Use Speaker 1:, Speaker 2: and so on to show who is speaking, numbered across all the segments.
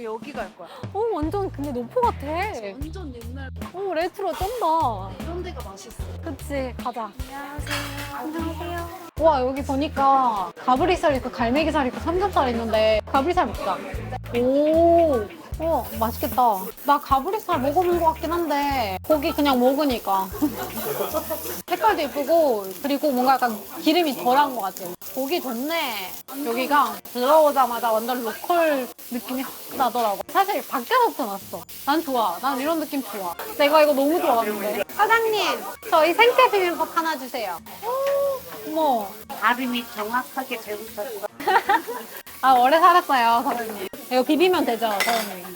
Speaker 1: 여기 갈 거야.
Speaker 2: 완전 근데 노포 같아.
Speaker 1: 완전 옛날
Speaker 2: 레트로 쩐다.
Speaker 1: 이런 데가 맛있어.
Speaker 2: 그치, 가자.
Speaker 1: 안녕하세요.
Speaker 2: 와, 여기 보니까 가브리살 있고 갈매기살 있고 삼겹살 있는데 가브리살 먹자. 오, 맛있겠다. 나 가브리살 먹어본 것 같긴 한데 고기 그냥 먹으니까 색깔도 예쁘고 그리고 뭔가 약간 기름이 덜한 것 같아. 고기 좋네. 여기가 들어오자마자 완전 로컬 느낌이 확 나더라고. 사실 밖에서부터 났어. 난 좋아. 난 이런 느낌 좋아. 내가 이거 너무 좋아하는데. 사장님, 저희 생채 비빔밥 하나 주세요. 어머.
Speaker 3: 발음이 정확하게 배우셨어.
Speaker 2: 아, 오래 살았어요, 사장님. 이거 비비면 되죠, 사장님?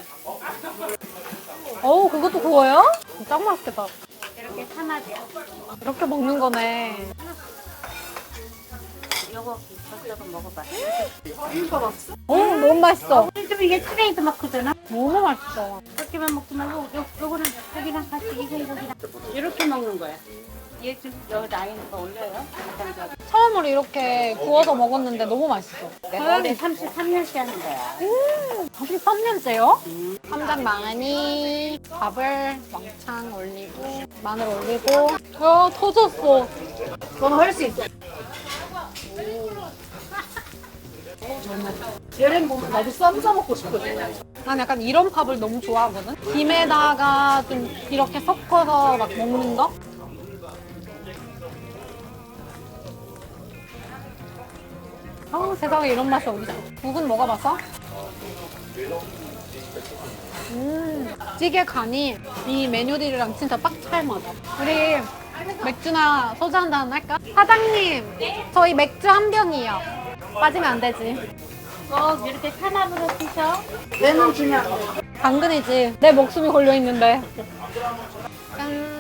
Speaker 2: 어우, 그것도 구워요? 짱 맛있겠다.
Speaker 3: 이렇게 하나죠.
Speaker 2: 이렇게 먹는 거네.
Speaker 3: 요거 저쪽은 먹어봐.
Speaker 2: 너무 맛있어.
Speaker 3: 좀 이게 트레이드 마크잖아.
Speaker 2: 너무 맛있어.
Speaker 3: 그렇게만 먹지 말고 요거는 고기랑 같이 이거랑 이렇게 먹는 거야. 얘 좀 여기 라인 더 올려요.
Speaker 2: 처음으로 이렇게 구워서 먹었는데 너무 맛있어.
Speaker 3: 내가 올해 33년째 하는 거야.
Speaker 2: 33년째요? 쌈장 많이, 밥을 왕창 올리고, 마늘 올리고. 야, 터졌어.
Speaker 1: 너는 할 수 있어. 얘는 보면 나도 쌈 싸 먹고 싶거든.
Speaker 2: 난 약간 이런 밥을 너무 좋아하거든? 김에다가 좀 이렇게 섞어서 막 먹는 거? 세상에 이런 맛이 어디서? 국은 먹어봤어? 찌개 간이 이 메뉴들이랑 진짜 딱 잘 맞아. 우리 맥주나 소주 한 잔 할까? 사장님, 저희 맥주 한 병이요. 빠지면 안 되지.
Speaker 3: 꼭 이렇게 탄압으로 드셔.
Speaker 1: 얘는 그냥
Speaker 2: 당근이지. 내 목숨이 걸려있는데. 짠.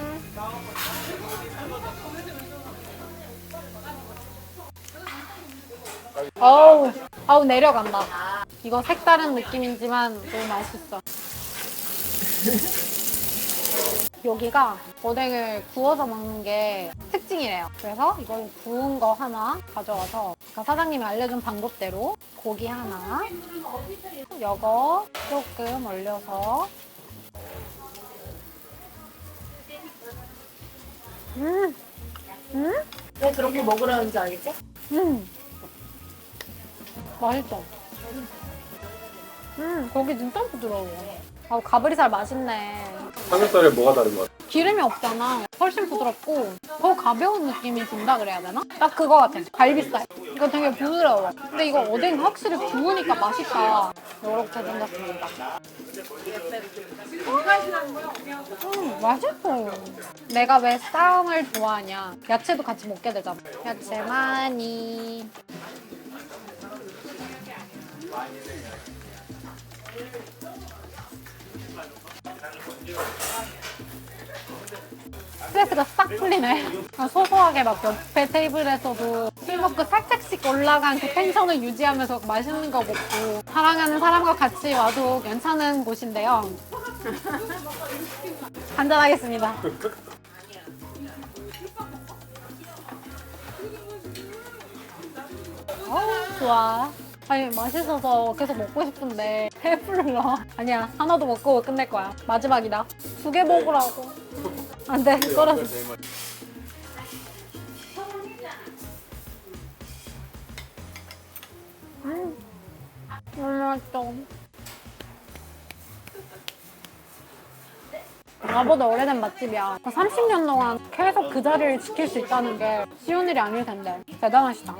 Speaker 2: 아우 내려간다. 이거 색다른 느낌이지만 너무 맛있어. 여기가 오뎅을 구워서 먹는 게 특징이래요. 그래서 이걸 구운 거 하나 가져와서 사장님이 알려준 방법대로 고기 하나, 이거 조금 올려서
Speaker 1: 왜 그렇게 먹으라는지 알겠지?
Speaker 2: 맛있어. 고기 진짜 부드러워. 가브리살 맛있네.
Speaker 4: 삼겹살에 뭐가 다른 것 같아?
Speaker 2: 기름이 없잖아. 훨씬 부드럽고 더 가벼운 느낌이 든다 그래야 되나? 딱 그거 같아. 갈비살. 이거 되게 부드러워. 근데 이거 오뎅 확실히 구우니까 맛있다. 이렇게 생겼습니다. 맛있어. 내가 왜 쌈을 좋아하냐. 야채도 같이 먹게 되잖아. 야채 많이. 스트레스가 싹 풀리네. 소소하게 막 옆에 테이블에서도 술 먹고 살짝씩 올라간 그 텐션을 유지하면서 맛있는 거 먹고 사랑하는 사람과 같이 와도 괜찮은 곳인데요. 한잔하겠습니다. 좋아. 아니 맛있어서 계속 먹고 싶은데 배불러. 아니야, 하나도 먹고 끝낼 거야. 마지막이다. 2개 먹으라고. 안 돼, 떨어져. 너무 맛있어. 나보다 오래된 맛집이야. 30년 동안 계속 그 자리를 지킬 수 있다는 게 쉬운 일이 아닐 텐데. 대단하시다.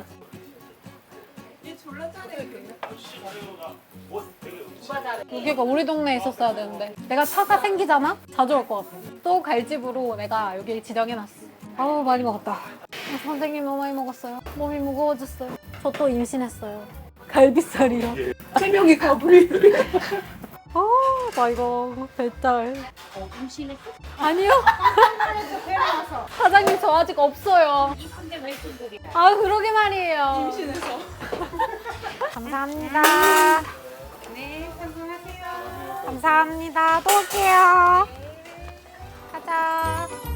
Speaker 2: 여기가 우리 동네에 있었어야 되는데 내가 차가 생기잖아? 자주 올 것 같아. 또 갈 집으로 내가 여기 지정해놨어. 아우 많이 먹었다. 선생님 너무 많이 먹었어요. 몸이 무거워졌어요. 저 또 임신했어요. 갈비살이요.
Speaker 1: 3명이 가불이.
Speaker 2: 나 이거 배달.
Speaker 3: 임신했어?
Speaker 2: 아니요. 사장님 저 아직 없어요.
Speaker 3: 이쁜데 왜 이쁜들이야?
Speaker 2: 그러게 말이에요.
Speaker 1: 임신해서.
Speaker 2: 감사합니다.
Speaker 3: 네, 성공하세요.
Speaker 2: 감사합니다. 또 올게요. 가자.